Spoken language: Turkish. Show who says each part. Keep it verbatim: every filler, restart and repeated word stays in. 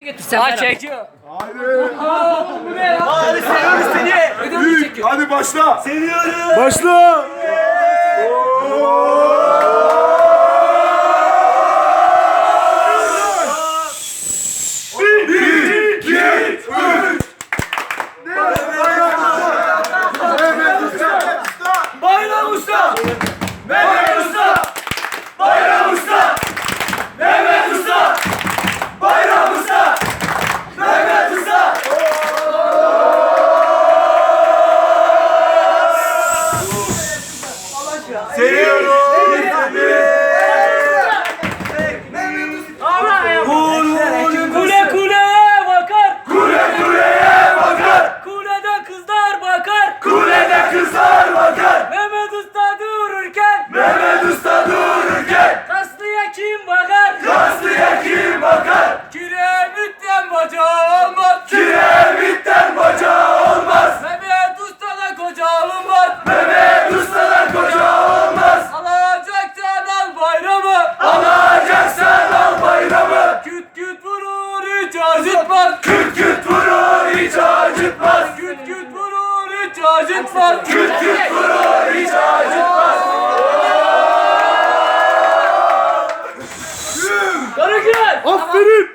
Speaker 1: Ha çekiyor.
Speaker 2: Hadi.
Speaker 1: Bu ne ya? Hadi seviyoruz seni. Ödümü
Speaker 2: Üç.
Speaker 1: çekiyor.
Speaker 2: Hadi başla.
Speaker 1: Seviyoruz.
Speaker 2: Başla. Bir, iki, üç.
Speaker 1: Bayram Usta. Mehmet Usta. Bayram Usta. Mehmet Usta. Bayram Usta. Mehmet Usta.
Speaker 2: Seviyorum.
Speaker 1: Kule kuleye bakar.
Speaker 2: Kule kuleye bakar.
Speaker 1: Kulede kızlar bakar.
Speaker 2: Kulede kızlar bakar.
Speaker 1: Mehmet Usta dururken.
Speaker 2: Mehmet Usta dururken.
Speaker 1: Kaslıya kim bakar?
Speaker 2: Kaslıya kim bakar?
Speaker 1: Kiremitten bacağı olmaz.
Speaker 2: Kiremitten bacağı olmaz.
Speaker 1: Mehmet Usta'da koca olmaz.
Speaker 2: Mehmet Usta'dan koca olmaz.
Speaker 1: Alacaksan al bayramı.
Speaker 2: Alacaksan al bayramı.
Speaker 1: Küt küt vurur hiç acıtmaz.
Speaker 2: Küt küt vurur hiç acıtmaz.
Speaker 1: Küt küt vurur hiç acıtmaz.
Speaker 2: Küt küt vurur hiç acıtmaz.
Speaker 1: Karagül.
Speaker 2: Aferin.